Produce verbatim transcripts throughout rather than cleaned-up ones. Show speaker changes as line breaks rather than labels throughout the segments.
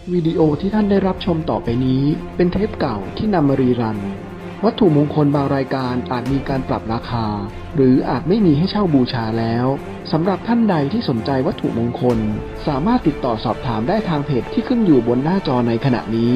วิดีโอที่ท่านได้รับชมต่อไปนี้เป็นเทปเก่าที่นำมารีรันวัตถุมงคลบางรายการอาจมีการปรับราคาหรืออาจไม่มีให้เช่าบูชาแล้วสำหรับท่านใดที่สนใจวัตถุมงคลสามารถติดต่อสอบถามได้ทางเพจที่ขึ้นอยู่บนหน้าจอในขณะนี้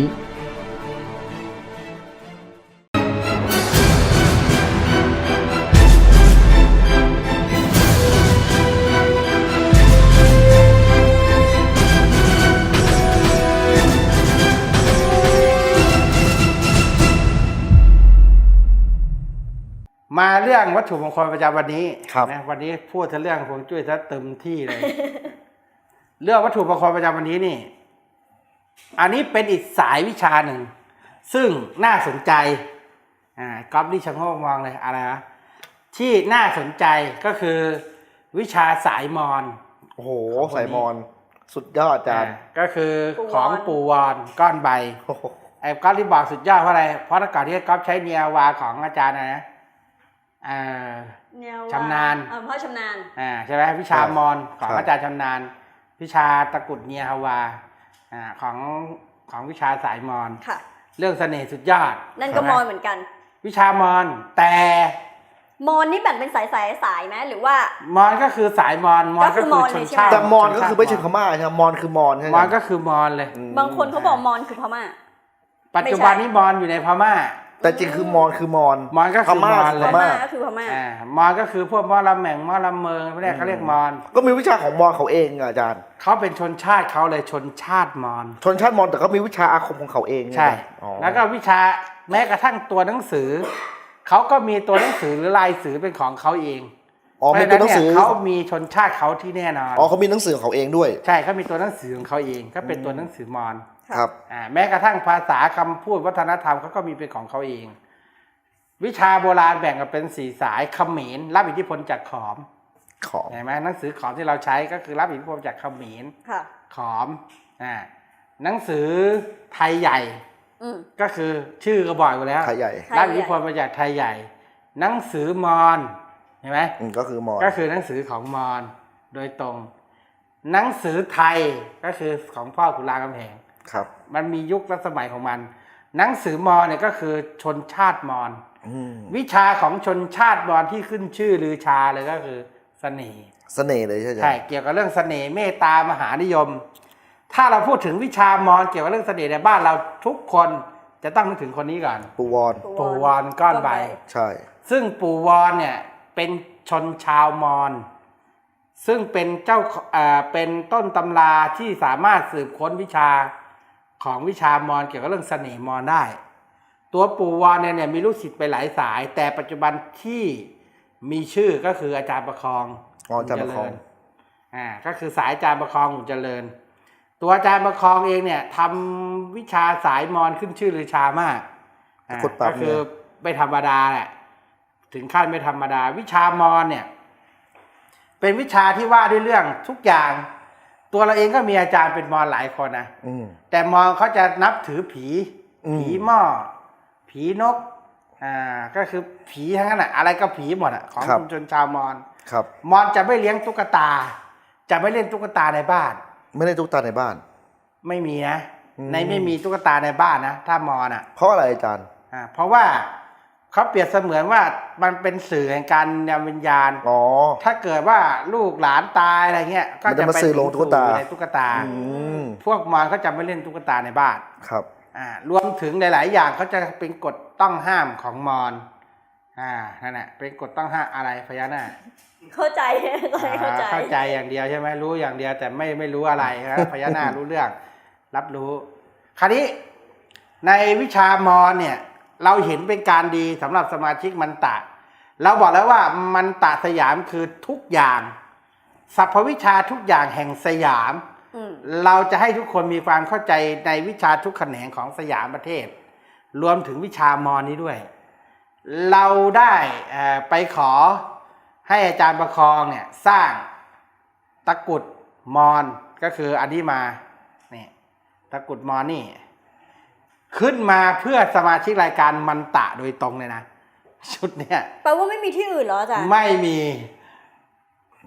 มาเรื่องวัตถุมงคลประจำวันนี้
ครับ
นะวันนี้พูดถึงเรื่องฮวงจุ้ยซะเต็มที่เลย เรื่องวัตถุมงคลประจำวันนี้นี่ อันนี้เป็นอีกสายวิชาหนึ่ง ซึ่งน่าสนใจอ่าก๊อฟนี่ชะโงกมองเลยอะไรนะที่น่าสนใจก็คือวิชาสายมอญ
โอ้โหสายมอนสุดยอดอาจารย์
ก็คือของปู่วอนก้อนใบ
โอ้โห
ไอ้ก๊อฟที่บอกสุดยอดเพราะอะไรเพราะแต่ก่อนที่ก๊อฟใช้เนียวาของอาจารย์นะนะอ่า ชำนาญ
เออพ่อชำนาญ
อ่าใช่ไหมวิชามอนของอาจารย์ชำนาญวิชาตะกุดเนียฮาวาอ่าของของวิชาสายมอน
ค่ะ
เรื่องเสน่ห์สุดยอด
นั่นก็มอนเหมือนกัน
วิชามอนแต่
มอนนี่แบ่งเป็นสายสายสายไหมหรือว่าม
อนก็คือสายมอนมอน
ก็
ก็
คือ
คือ
มอน
ชน
เลยใช่ไหม
ชาติ
แต่มอนก็
ชาติ
คือไม่ใช่พม่าใช่ไหมมอนคือมอนใช่ไหม
มอนก็คือมอนเลย
อืม
บางคนเขาบอกมอนคือพม่า
ปัจจุบันนี้มอนอยู่ในพม่า
แต่จริงคือมอนคือมอน
มอนก็คือ
พม่าม
อน
คือ
เล
พ
ย
ม่า
ก็คือพม่า
อ่ามอนก็คือพวกมอลำแหม่งมอลำเมืองเขาเรียกเขาเรียกมอน
ก็มีวิชาของมอนเขาเองอะอาจารย์
เขาเป็นชนชาติเขาเลยชนชาติมอน
ชนชาติมอนแต่ก็มีวิชาอาคมของเขาเอง
ใช่
อ๋อ
แล้วก็วิชาแม้กระทั่งตัวหนังสือ เขาก็มีตัวหนังสือหรือลายสือเป็นของเขาเอง
อ๋อมีตัวหนังสือ
เพราะฉะนั้นเนี่ยเขามีชนชาติเขาที่แน่นอน
อ๋อเขามีหนังสือของเขาเองด้วย
ใช่เขามีตัวหนังสือของเขาเอง ก็เป็นตัวหนังสือมอญ
ครับ
อ่าแม้กระทั่งภาษาคำพูดวัฒนธรรมเขาก็มีเป็นของเขาเอง วิชาโบราณแบ่งกันเป็นสี่สายเขมรรับอิทธิพลจากขอม
ของ
เห็นไหมหนังสือขอมที่เราใช้ก็คือรับอิทธิพลจากเขมร
ค่ะ
ขอมอ่าหนังสือไทยใหญ่
อืม
ก็คือชื่อก็บอกอยู่แล้ว
ไทยใหญ่
ไทยใหญ่
รับอิทธิพลมาจากไทยใหญ่ หนังสือมอญเห็นไหม
อืมก็คือมอน
ก็คือหนังสือของมอญโดยตรง หนังสือไทยก็คือของพ่อขุนรามคำแหง
ครับ
มันมียุคและสมัยของมัน หนังสือมอญเนี่ยก็คือชนชาติมอญ
อืม
วิชาของชนชาติมอญที่ขึ้นชื่อลือชาเลยก็คือเสน่ห์
เสน่ห์เลยใช่ไหม
ใช่เกี่ยวกับเรื่องเสน่ห์เมตตามหานิยม ถ้าเราพูดถึงวิชามอญเกี่ยวกับเรื่องเสน่ห์ในบ้านเราทุกคนจะต้องนึกถึงคนนี้ก่อน
ปูวอน
ปู่วอนก้อนใบ
ใช่
ซึ่งปู่วอนเนี่ยเป็นชนชาวมอญซึ่งเป็นเจ้าเอ่อเป็นต้นตำราที่สามารถสืบค้นวิชาของวิชามอญเกี่ยวกับเรื่องเสน่ห์มอญได้ ตัวปู่วอนเนี่ยเนี่ยมีลูกศิษย์ไปหลายสาย แต่ปัจจุบันที่มีชื่อก็คืออาจารย์ประคอง
อ๋ออาจารย์ประคอง
อ่าก็คือสายอาจารย์ประคองหุ่นเจริญ ตัวอาจารย์ประคองเองเนี่ยทำวิชาสายมอญขึ้นชื่อลือชามากอ่า
ขุดปรับ
ก็คือไม่ธรรมดาแหละถึงขั้นไม่ธรรมดา วิชามอญเนี่ยเป็นวิชาที่ว่าด้วยเรื่องทุกอย่าง ตัวเราเองก็มีอาจารย์เป็นมอญหลายคนนะ
อืม
แต่มอญเขาจะนับถือผี
อืม
ผีหม้อผีนกอ่าก็คือผีทั้งนั้นอะอะไรก็ผีหมดอะของชุมชนชาวมอญ
ครับ
มอญจะไม่เลี้ยงตุ๊กตา จะไม่เล่นตุ๊กตาในบ้าน
ไม่ได้ตุ๊กตาในบ้าน
ไม่มีนะ
อืม
ในไม่มีตุ๊กตาในบ้านนะถ้ามอญอ่ะ
เพราะอะไรอาจารย์
อ่าเพราะว่าเขาเปรียบเสมือนว่ามันเป็นสื่อแห่งการนำวิญญาณ
อ๋อ
ถ้าเกิดว่าลูกหลานตายอะไรเงี้ยก็
มัน
จะ
จะมา
ไป
สื่อลงตุ๊กตา
ในตุ๊กตา
อืม
พวกมอญเขาจะไม่เล่นตุ๊กตาในบ้าน
ครับ
อ่ารวมถึงหลาย ๆ อย่างเขาจะเป็นกฎต้องห้ามของมอญอ่านั่นแหละเป็นกฎต้องห้ามอะไรพญานาค
เข้าใจเข้าใจ
อ่าเข้าใจอย่างเดียวใช่ไหมรู้อย่างเดียวแต่ไม่ไม่รู้อะไรนะ พญานาครู้เรื่องรับรู้ คราวนี้ในวิชามอญเนี่ยเราเห็นเป็นการดีสำหรับสมาชิกมันตะ เราบอกแล้วว่ามันตะสยามคือทุกอย่างสรรพวิชาทุกอย่างแห่งสยาม
อืม
เราจะให้ทุกคนมีความเข้าใจในวิชาทุกแขนงของสยามประเทศ รวมถึงวิชามอญนี้ด้วย เราได้เอ่อไปขอให้อาจารย์ประคองเนี่ยสร้างตะกรุดมอญก็คืออันนี้มานี่ตะกรุดมอญนี่ขึ้นมาเพื่อสมาชิกรายการมันตะโดยตรงเลยนะชุดเนี้ย
แปลว่าไม่มีที่อื่นเหรออาจารย์
ไม่มี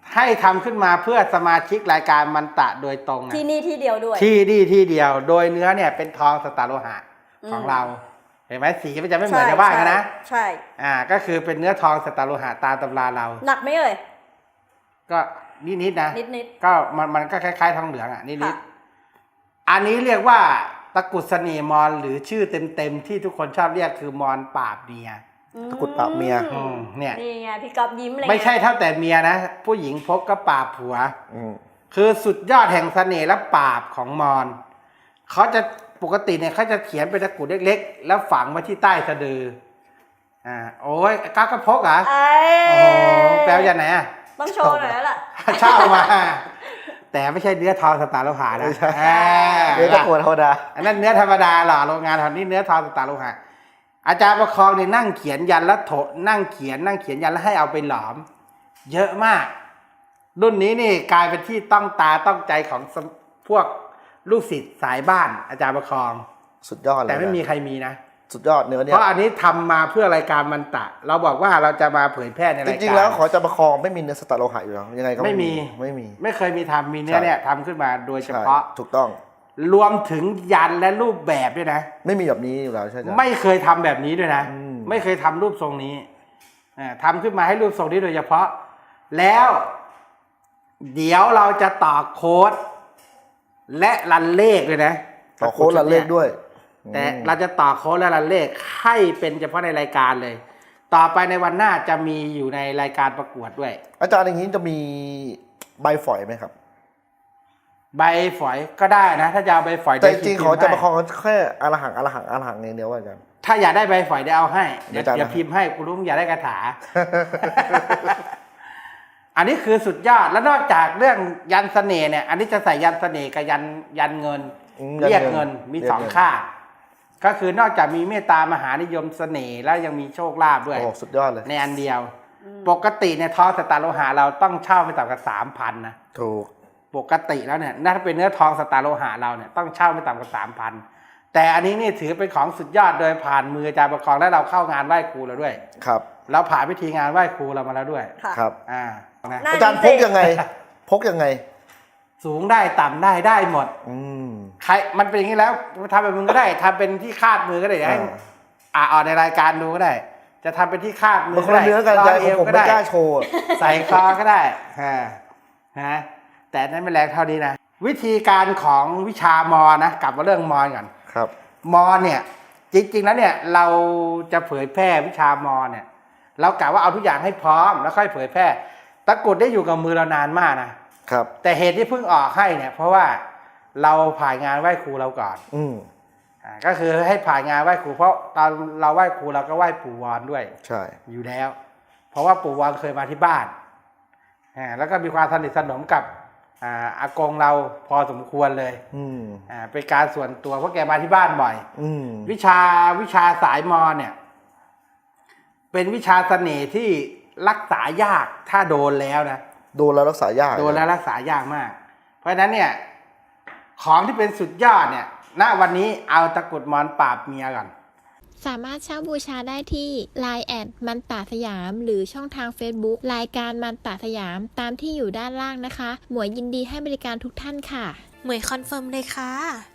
ให้ทำขึ้นมาเพื่อสมาชิกรายการมันตะโดยตรงนะ
ที่นี่ที่เดียวด้วย
ที่นี่ที่เดียว โดยเนื้อเนี่ยเป็นทองสตาร์โลหะของ
อืม
เรา เห็นไหมสีมันจะไม่เหมือนชาวบ้านกันนะ
ใช่
อ่าก็คือเป็นเนื้อทองสตาร์โลหะตามตำราเรา
หนักไหมเอ่ย
ก็นิดๆนะ
นิดนิด
ก็มันมันก็คล้ายๆทองเหลืองอ่ะนิด
ค่ะ
ๆอันนี้เรียกว่าตะกรุดเสน่ห์มอญหรือชื่อเต็มๆที่ทุกคนชอบเรียกคือมอญปราบเมีย
ตะกรุดปราบเมีย
อืมเนี่ย
นี่ไงพี่ก๊อฟยิ้มเลย
ไม่ใช่เท่าแต่เมียนะ ผู้หญิงพกก็ปราบผัว
อืม
คือสุดยอดแห่งเสน่ห์และปราบของมอญเขาจะปกติเนี่ยเขาจะเขียนเป็นตะกรุดเล็กๆ แล้วฝังไว้ที่ใต้สะดืออ่าโอ้ยก้าวก็พกเหรอ
ไอ้
โอ้โหแปลว่าอย่างไหนอ่ะ
ต้องโชว์หน่อยแล้วล่ะ
เช่ามา แต่ไม่ใช่เนื้อทองสตาร์โลหะนะ
ไม่ใช่
อ่า
เดี๋ยวตะกรุดธรรมดา
อันนั้นเนื้อธรรมดาหล่อโรงงานทำนี่เนื้อทองสตาร์โลหะอาจารย์ประคองเนี่ยนั่งเขียนยันแล้วโถนั่งเขียนนั่งเขียนยันแล้วให้เอาไปหลอม เยอะมาก รุ่นนี้นี่กลายเป็นที่ต้องตาต้องใจของสมพวกลูกศิษย์สายบ้านอาจารย์ประคอง
สุดยอดเลย
แต่ไม่มี
นะ
ใครมีนะ
สุดยอดเนื้อเนี่
เพ
ย
ราะอันนี้ทำมาเพื่อรายการมันตะ เราบอกว่าเราจะมาเผยแพร่ใน
จ
รายการ
ริงๆแล้วขอจะประคองไม่มีเนื้อสตาร์โลหะอยู่แล้วยังไงก็
ไม่มี
ไม่มี
ไม่เคยมีทำมีเนื้อ
ใช่
เนี่ยทำขึ้นมาโดยเฉ
ใช่
พาะ
ถูกต้อง
รวมถึงยันและรูปแบบด้วยนะ
ไม่มีแบบนี้อยู่แล้วใช่ไหม
ไม่เคยทำแบบนี้ด้วยนะ
อืม
ไม่เคยทำรูปทรงนี้อ่าทำขึ้นมาให้รูปทรงนี้โดยเฉพาะ แล้ว เดี๋ยวเราจะต่อโค้ด และรันเลขเลยนะ
ต่อโค้ดละเลขด้วย
แต่
อืม
เราจะต่อโค้ดและรันเลขให้เป็นเฉพาะในรายการเลย ต่อไปในวันหน้าจะมีอยู่ในรายการประกวดด้วย
อาจารย์อย่างนี้จะมีใบฝอยไหมครับ
ใบฝอยก็ได้นะ ถ้าจะเอาใบฝอย
แต่จ
เดี๋ยว
ริงๆ
พิ
ขอ
มพ์
จะ
ให้
ประคองแค่อรหังอรหังอรหังอย่างเดียวอาจารย์
ถ้าอยากได้ใบฝอยเดี๋ยวเอาให้เดี๋ยว
อาจารย์
เดี๋ยวพิมพ์ให้กูรู้มึงอยากได้คาถา อันนี้คือสุดยอดแล้วนอกจากเรื่องยันเสน่ห์เนี่ย อันนี้จะใส่ยันเสน่ห์กับยันยันเงิน
อืม
เรียก
ยันเงิ
เงิน
น
มี
เรียก
สอง
เงิน
ค่า ก็คือนอกจากมีเมตตามหานิยมเสน่ห์แล้วยังมีโชคลาภด้วย
โอ้สุดยอดเลย
ในอันเดียว ปกติเนี่ยทองสตาร์โลหะเราต้องเช่าไปต่ำกว่าสามพันนะ
ถูก
ปกติแล้วเนี่ยถ้าเป็นเนื้อทองสตาร์โลหะเราเนี่ยต้องเช่าไม่ต่ำกว่าสามพันแต่อันนี้นี่ถือเป็นของสุดยอดโดยผ่านมืออาจารย์ประคองและเราเข้างานไหว้ครูเราด้วย
ครับ
เราผ่านพิธีงานไหว้ครูเรามาแล้วด้วย
ค่ะ
ครับ
อ่านะ
น่า
อาจารย์พกยังไง พกยังไง
สูงได้ต่ำได้ได้หมด
อืม
ใครมันเป็นอย่างนี้แล้วทำเป็นมึงก็ได้ทำเป็นที่คาดมือก็ได้เดี๋ยวให้
อ่า
อ่าออกในรายการดูก็ได้ จะทำเป็นที่คาดมื
มัน
อ
ค
ก็
นละ
ได้
เนื้อกัน
ร้
อาจารย์
เอว
ผม
ก็
ไม่
ได้
กล้าโชว์อะ
ใส่คอก็ได้อ่าฮะแต่อันนั้นไม่แรงเท่านี้นะวิธีการของวิชามอนะกลับมาเรื่องมอก่อน
ครับ
มอเนี่ยจริงๆแล้วเนี่ยเราจะเผยแพร่วิชามอเนี่ยเรากะว่าเอาทุกอย่างให้พร้อมแล้วค่อยเผยแพร่ตะกรุดได้อยู่กับมือเรานานมากนะครับ แต่เหตุที่เพิ่งออกให้เนี่ยเพราะว่าเราผ่านงานไหว้ครูเราก่อน
อืม
อ่าก็คือให้ผ่านงานไหว้ครูเพราะตอนเราไหว้ครูเราก็ไหว้ปู่วอนด้วย
ใช่
อยู่แล้ว เพราะว่าปู่วอนเคยมาที่บ้านอ่าแล้วก็มีความสนิทสนมกับอ่าอากงเราพอสมควรเลย
อืม
อ่าเป็นการส่วนตัวเพราะแกมาที่บ้านบ่อย
อืม
วิชาวิชาสายมอเนี่ย เป็นวิชาเสน่ห์ที่รักษายากถ้าโดนแล้วนะ
โดนแล้วรักษายาก
โดนแล้วรักษายากมาก เพราะฉะนั้นเนี่ย ของที่เป็นสุดยอดเนี่ยณวันนี้เอาตะกรุดมอนปราบเมียก่อน
สามารถเช่าบูชาได้ที่ ไลน์ แอดมันตาสยาม หรือช่องทาง Facebook รายการมันตาสยามตามที่อยู่ด้านล่างนะคะ หมวยยินดีให้บริการทุกท่านค่ะ
เหมยคอนเฟิร์มเลยค่ะ